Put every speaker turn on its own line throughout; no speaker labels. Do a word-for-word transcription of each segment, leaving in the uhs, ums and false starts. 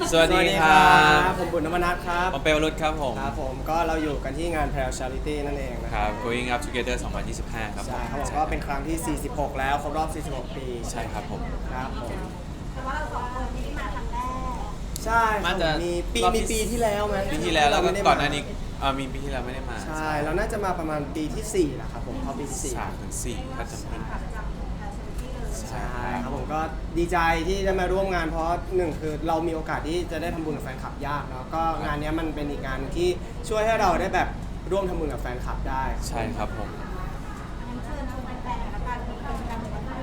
สวัสดีครับ
ผมบุญนวนัทครับ
ผมเปลวรุตครับผม
ครับผมก็เราอยู่กันที่งาน Pale Charity นั่นเองนะ
ค
ค
รั
รั
บบ Going Up Together สองพันยี่สิบห้าครับผม
ใช่ครับผมก็เป็นครั้งที่ สี่สิบหก แล้วครบรอบ สี่สิบหก ปี
ใช่ครับผม
ครับผม
แต่ว่าเราสองคนไม่ได้มาครั้งแรก
ใช่ค
มา
รับ
จะ
มีปี
รอบที่
มีปีที่แล้วไหม
ปีที่แล้วแล้วก็
ไม่ได้ม
ก่อนหน้านี้อ่ามีปีที่แล้วไม่ได้มา
ใช่เราน่าจะมาประมาณปีที่สี่แล้วครับผมเข้าปีที่สี่
สามถึงสี่ถ้าจำไม่ผิด
จำแพลซิลิตี้เลย
ใช่ครับผมก็ดีใจที่ได้มาร่วมงานเพราะหนึ่งคือเรามีโอกาสที่จะได้ทำบุญกับแฟนคลับยากเนาะก็งานเนี้ยมันเป็นอีกงานที่ช่วยให้เราได้แบบร่วมทำบุญกับแฟนคลับได้
ใช่ครับผม
งั้นเชิญชวนแฟนๆแล้วกันมีกิจกรรมอะไรบ้าง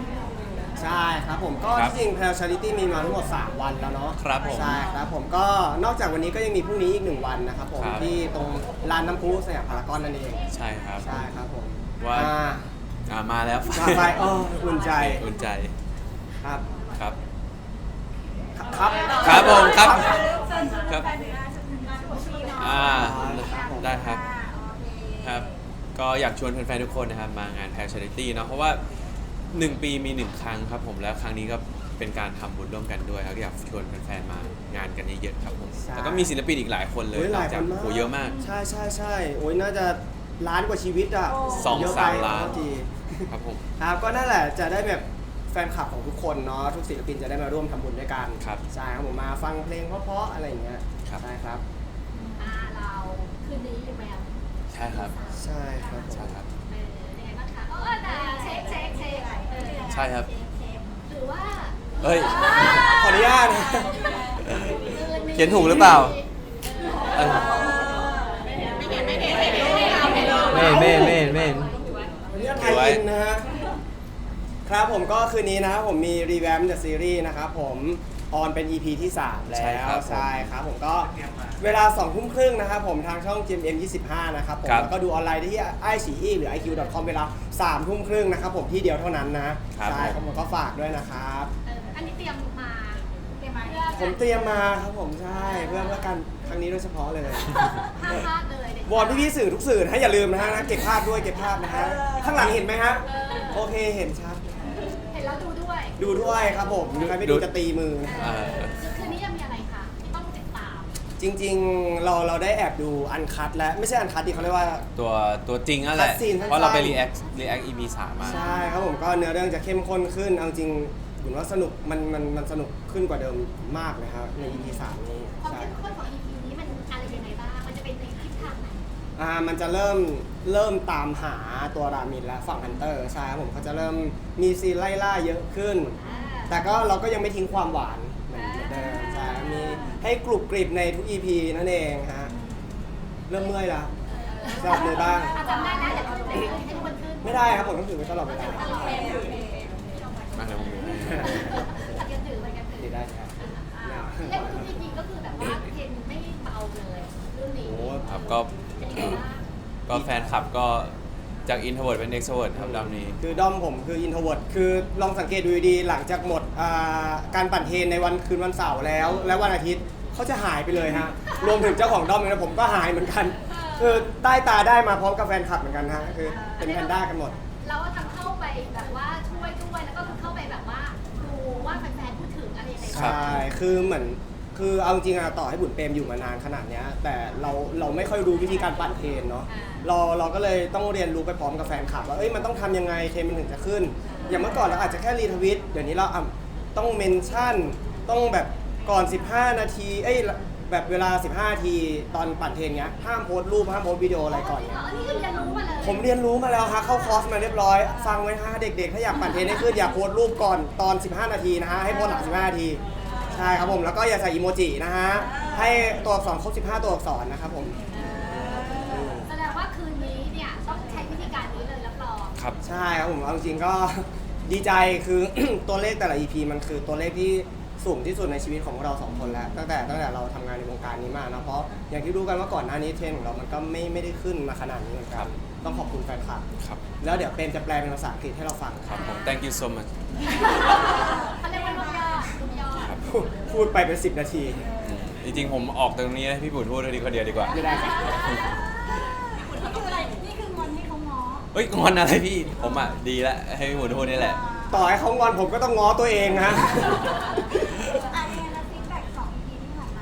ใช่ครับผมก็
ครับ
ที่จริง Pale Charity มีมาทั้งหมด สาม วันแล้วเนาะ
ครับผม
ใช่ครับผมก็นอกจากวันนี้ก็ยังมีพรุ่งนี้อีกหนึ่งวันนะครับผม
ครับ
ที่ตรงลานน้ำพุสยามพารากอนนั่นเอง
ใช่ครับ
ใช่ครับผม
ว่า
อ่
อ่ามาแล้ว
มาไปอ้ออุ่นใจ
อุ่นใจ
ครับ
ครับ
ครับ
ครับผมครับ
เชิญชวน
ครับ
แฟนๆงานงานหัวปีเนาะ
อ่า
ครับผม
ได้ครับ
อ่าโอเค
ครับก็อยากชวนแฟนๆทุกคนนะครับมางาน Pale Charity เนาะเพราะว่าหนึ่งปีมีหนึ่งครั้งครับผมแล้วครั้งนี้ก็เป็นการทำบุญร่วมกันด้วยครับก็อยากชวนแฟนๆมางานกันเยอะๆครับผม
ใช่
แล้วก็มีศิลปินอีกหลายคนเลย
โอ้ยห
นอ
ลาก ย
จาก
คนมาก
โหเยอะมาก
ใช่ใช่ใช่โอ้ยน่าจะล้านกว่าชีวิตอ่ะ
สอง
เยอะ
สาม
ไป
ล้าน
ขอโทษที
ครับผม
ครับก็นั่นแหละจะได้แบบแฟนคลับของทุกคนเนาะทุกศิลปินจะได้มาร่วมทำบุญด้วยกัน
ครับ
ใช่ครับผมมาฟังเพลงเพราะๆอะไรอย่างเงี้ย
ครับ
ใช่ครับ
อ่าเราคืนนี้อยู่แมว
ใช่ครับ
ใช่ครับผม
ใช่ครับ
เออยังไงบ้างคะเออแต่เช็คเช็คเช็คเออ
ใช่ครับ
เช็คเช็คหรือว่า
เฮ้ย
ขออนุญาตนะ
เขียนถูกหรือเปล่า เออ
ไม่เห็นไม่เห็นไม่เห็นไม่เห็นไม่เห็นเอาไปเลย
เม่นเม่นเม่นเม่น
ขออนุญาตไทยอินนะฮะครับผมก็คืนนี้นะครับผมมีรีแวมเดอะซีรีส์นะครับผมออนเป็น อี พี ที่ สาม แล้
ใช่ครั
ว
บผม
ใช่ครับผมก็เวลาสองทุ่มครึ่งนะครับผมทางช่อง จี เอ็ม เอ็ม ยี่สิบห้า นะครับผม
ครับ
แล้วก็ดูออนไลน์ได้ที่ไอซีอีหรือ ไอ คิว ดอท คอม เวลาสามทุ่มครึ่งนะครับผมที่เดียวเท่านั้นนะใช่ครับผมก็ฝากด้วยนะครับ
เอออันนี้เตรียมมาเตรียมมาเพื่อ
ผมเตรียมมาครับผมใช่เพื่อเพื่อกันครั้งนี้โดยเฉพาะเลย
ห้ามพลาดเลยเด็ด
วอนพี่ๆสื่อทุกสื่อนะฮะอย่าลืมนะฮะเก็บภาพด้วยเก็บภาพนะฮะข้างหลังเห็นไหมฮะโอเคเห็นชัด
เห็นแล้วดูด้วย
ดูด้วยครับผมใครไม่ดูจะตีมือนะ
เออ
คืนนี้ยังมีอะไรคะที่ต้องติดตาม
จริงๆเราเราได้แอบดูอันคัดและไม่ใช่อันคัดดิเขาเรียกว่า
ตัวตัวจริงนั่นแหละ
Cutscene สั้นๆ
เพราะเราไป react react อี พี สามมา
ใช่ครับผมก็เนื้อเรื่องจะเข้มข้นขึ้นเอาจริงผมว่าสนุกมันมันมันสนุกขึ้นกว่าเดิมมากเลยครับใน อี พี สามนี้
ความ
ใช่
เข้มข้นของ อี พี นี้มันอะไรยังไงบ้าง มันจะเป็นในทิศทางไหน
อ่ามันจะเริ่มเริ่มตามหาตัวรามินและฝั่งฮันเตอร์ใช่ครับผมเขาจะเริ่มมีซีนไล่ล่าเยอะขึ้น
อ่า
แต่ก็เราก็ยังไม่ทิ้งความหวานเหมือนเดิมใช่มีให้กรุบกริบในทุก อี พี นั่นเองฮะเริ่มเมื่อยแล้วสลับเลยบ้าง
อ่ะจำได้นะเดี๋ยวเราจะให้ทุกคนขึ้น
ไม่ได้ครับผมต้องถือไว้ตลอดเวลา
โอเคโอเค
มาเดี๋ยวผมดูให้
กันถือไปกันถื
ถื
อ
อได้ครับ
อ่าเล่นทุก อี พี ก็คือแบบว่าเทรนไม่เบาเลยเรื่องนี้
โอ้
ครับก็
เป็นยังไงบ้าง
ก็แฟนคลับก็จาก introvert เป็น extrovert ครับดำนี้
คือด้อมผมคืออินโทรเวิร์ดคือลองสังเกตดูดีๆหลังจากหมดอ่าการปั่นเทรนในวันคืนวันเสาร์แล้ว และวันอาทิตย์เขาจะหายไปเลยฮะ รวมถึงเจ้าของด้อมเองนะผมก็หายเหมือนกัน คือใต้ตาได้มาพร้อมกับแฟนคลับเหมือนกันฮะคือเป็นแพนด้ากันหมด
เราก็ทำเข้าไปแบบว่าช่วยด้วยแล้วก็เข้าไปแบบว่าดูว่าแฟนๆพูดถึงอะไรยังไง
ครั
บ้าง
บ
ใช่ คือเหมือน คือเอาจริงอะต่อให้บุญเปรมอยู่มานานขนาดเนี้ยแต่เราเราไม่ค่อยรู้วิธีการปั่นเทรนเนาะ เราเราก็เลยต้องเรียนรู้ไปพร้อมกับแฟนคลับว่า เอ้ย มันต้องทำยังไงเทรนมันถึงจะขึ้น อย่างเมื่อก่อนเราอาจจะแค่รีทวิต เดี๋ยวนี้เราอ่ะต้องเมนชั่น ต้องแบบก่อน สิบห้า นาที เอ้ย แบบเวลา สิบห้า นาทีตอนปั่นเทรนเงี้ย ห้ามโพสต์รูป ห้ามโพสต์วิดีโออะไรก่อนเงี้ย
อันนี้คือเรียนรู้มาเลย
ผมเรียนรู้มาแล้วฮะเข้าคอร์สมาเรียบร้อย ฟังไว้ฮะเด็กๆ ถ้าอยากปั่นเทรนให้ขึ้นอย่าโพสต์รูปก่อนตอน สิบห้า นาทีนะฮะให้โพสต์หลัง สิบห้า นาที ใช่ครับผมแล้วก็อย่าใส่อีโมจินะฮะให้ตัวอักษรครบ สิบห้า ตัวอักษรนะครับผม
แสดงว่าคืนนี้เนี่ยต้องใช้วิธีการนี้เลยรับรอง
ครับ
ใช่ครับผมเอาจริงๆก็ ดีใจคือ ตัวเลขแต่ละ อี พี มันคือตัวเลขที่สูงที่สุดในชีวิตของพวกเราสองคนแล้วตั้งแต่ตั้งแต่เราทำงานในวงการนี้มานะเพราะอย่างที่รู้กันว่าก่อนหน้านี้เทรนด์ของเรามันก็ไม่ไม่ได้ขึ้นมาขนาดนี้เหมือนกันต้องขอบคุณแฟนคลับ
ครับ
แล้วเดี๋ยวเป็นจะแปลเป็นภาษาอังกฤษให้เราฟัง
ครับผม thank you so much
เขาเรียกว่าลูกยอดลูกยอด
ครับ
พูดพูดไปเป็นสิบนาที
อืมจริงๆ ผมออกตรงนี้ให้พี่บุญพูดทีคนเดียวดีกว่า
ไม่ได้ครับ
นี่คืออะไรนี่คืองอนที่เขาง้อ
เฮ้ยงอนอะไรพี่ ผมอ่ะ ดีแล้วให้พี่บุญพูดนี่แหละ
ต่อให้เขางอนผมก็ต้องง้อตัวเองฮะ
อันนี้แล้วฟีดแบ็กสอง อี พี ที่ผ่านมา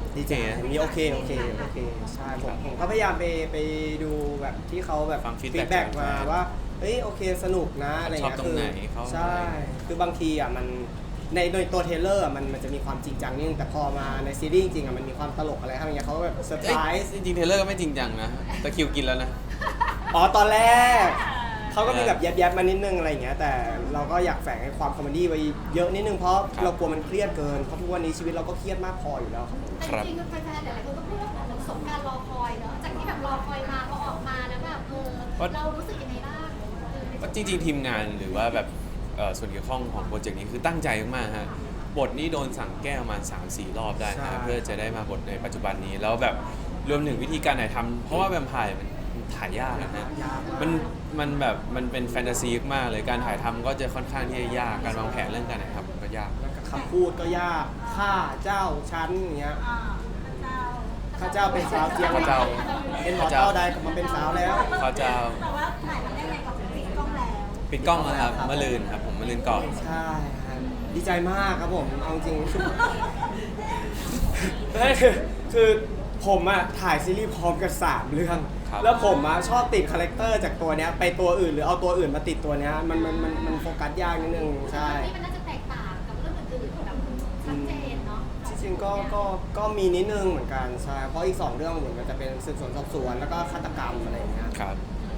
ดีใจมีโอเคโอเคโอเคใช่ผมผมก็พยายามไปไปดูแบบที่เขาแบบ
ฟัง feedback
ฟีดแบ็ก
จาก
มา
แฟน
ว่าเฮ้ยโอเคสนุกนะอะไร
ชอบ
เงี้ย
ตรงไหนเขา
ใช่คือบางทีอ่ะมันในโดยตัวเทรลเลอร์อะมันมันจะมีความจริงจังนิดนึงแต่พอมาในซีรีส์จริงๆอ่ะมันมีความตลกอะไรอะไรเงี้ยเขาก็แบบเซอร์ไพร
เอ้ย
ส์
จริงๆเทเลอร์ก็ไม่จริงจังนะตะคริวกินแล้วนะ
อ๋อตอนแรกเขาก็มีแบบแยบๆมานิดนึงอะไรอย่างเงี้ยแต่เราก็อยากแฝงให้ความคอมเมดี้ไว้เยอะนิดนึงเพราะ
ครับ
เรากลัวมันเครียดเกินเพราะทุกวันนี้ชีวิตเราก็เครียดมากพออยู่แล้วครับ
แต่จริงๆแฟนๆหลายๆคนก็พูดว่าเหมือนสมการรอคอยเนาะจากที่แบบรอคอยมาพอออกมาแล้วแบบเออเรารู้สึกยังไงบ้างเออ
ก็จริงๆทีมงานหรือว่าแบบเอ่อส่วนเกี่ยวข้องของโปรเจกต์นี้คือตั้งใจมากๆฮะบทนี้โดนสั่งแก้ประมาณ สามสี่ รอบได้
ใช่
นะเพื่อจะได้มาบทในปัจจุบันนี้แล้วแบบรวมถึงวิธีการถ่ายทำเพราะว่าแวมไพร์มันถ่ายยากนะฮะ
ยากาก
มันมันแบบมันเป็นแฟนตาซีมากเลยการถ่ายทำก็จะค่อนข้างที่จะยากการวางแผนเรื่องการถ่ายทำก็ยาก
แล้วก็คำพูดก็ยากข้าเจ้าชั้นอย่างเงี้ย
อ่าพระเจ้า
ข้าเจ้าเป็นสาวเจียง
ข้าเจ้า
เป็นหมอเต้าได้กลับมาเป็นสาวแล้ว
เขาจะ
แต่ว่าถ่ายมาได้ไงกับปิดกล้องแล้ว
ปิดกล้องแล้วครับเมื่อลืนครับผมเมื่อลืนก่อน
ใช่ครับดีใจมากครับผมเอาจริงไม่คือคือผมอะถ่ายซีรีส์พร้อมกันสามเรื่อง
ครับ
แล้วผมอะชอบติดคาแรคเตอร์จากตัวเนี้ยไปตัวอื่นหรือเอาตัวอื่นมาติดตัวเนี้ยมันมันมันมันโฟกัสยากนิดนึงใช่
นี่มันน่าจะแตกต่างกับเรื่องอื่นๆแบบชัดเจนเนาะ
ที่จริงก็ก็ก็มีนิดนึงเหมือนกันใช่เพราะอีกสองเรื่องเหมือนกันจะเป็นสืบสวนสอบสวนแล้วก็ฆาตกรรมอะไรอย่างเงี้ย
ครับ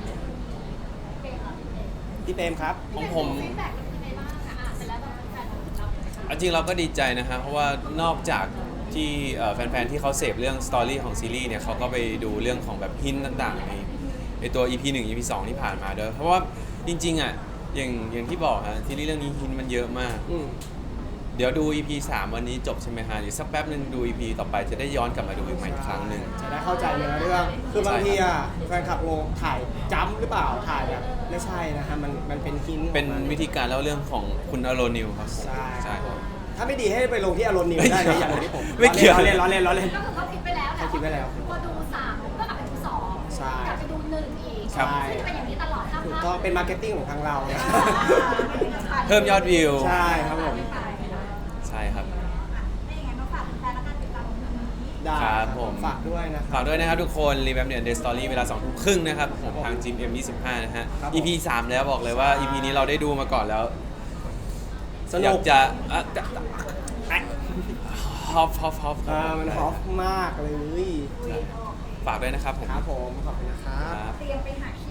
พี่เปรมครับ
ของผม
ฟีดแบ็กเป็นยังไงบ้างคะอ่านไปแล้วเราแฟนๆเรา
เอาจริงเราก็ดีใจนะฮะเพราะว่านอกจากที่เอ่อแฟนๆที่เขาเสพเรื่องสตอรี่ของซีรีส์เนี่ยเขาก็ไปดูเรื่องของแบบฮินต่างๆในในตัว อี พี หนึ่ง อี พี สองที่ผ่านมาด้วยเพราะว่าจริงๆอ่ะอย่างอย่างที่บอกฮะซีรีส์เรื่องนี้ฮินมันเยอะมาก
อืม
เดี๋ยวดู อี พี สามวันนี้จบใช่ไหมฮะหรือสักแป๊บหนึ่งดู อี พี ต่อไปจะได้ย้อนกลับมาดูอีกใหม่อีกครั้งหนึ่ง
จะได้เข้าใจเนื้อเรื่อง คือบางทีอ่ะแฟนคลับงงถ่ายจ้ำหรือเปล่า ถ่ายแบบไม่ใช่นะฮะ มันมันเป็นฮินต์ของ
เป็น
มั
วิธีการเล่าเรื่องของคุณอโรนิวครับผม
ใช่
ใช่
ครับถ้าไม่ดีให้ไปลงที่อารมณ์นิวได้นะอย่างที่ผม
ไม่เกี่ยว
ล้อเล่นล้อเล่นล้อเล่น
ก็คือเขาคิดไปแล้วแหละ
เขาคิดไว้แล้ว
พอดูสามก็กลับไปดูสอง
ใช่
กลับไปดูหนึ่งอีก
ครับ
ซึ่งเป็นอย่างนี้ตลอดห้าม
ถู
พ
ก
ลาด
ต้องเป็นมาร์เก็ตติ้งของทางเราเนี่ย
เพิ่มยอดวิว
ใช่ครับผม
ใช่ครับ
ไม่ยังไงมาฝากแฟนๆแล้วกันติดตามตรงนี้
ได้
ครับผม
ฝากด้วยนะค
ฝา
รับ
กด้วยนะครับทุกคนรีแวมเดียนเดสตอรี่เวลาสองทุ่มครึ่งนะครับผมทางจิม เอ็ม ยี่สิบห้า นะฮะ
ครับผม
อี พี สามแล้วบอกเลยว่า อี พี นี้เราได้ดูมาก่อนแล้ว
ส
อ
นุ
ยาก
ก
จะอ่ะจะฮอปฮอปฮอป
อ่ามันฮอปมากเลย
ฝากด้วยนะครับผม
ครับผม ขอบคุณนะครับ
ครับ
เตรียมไปหา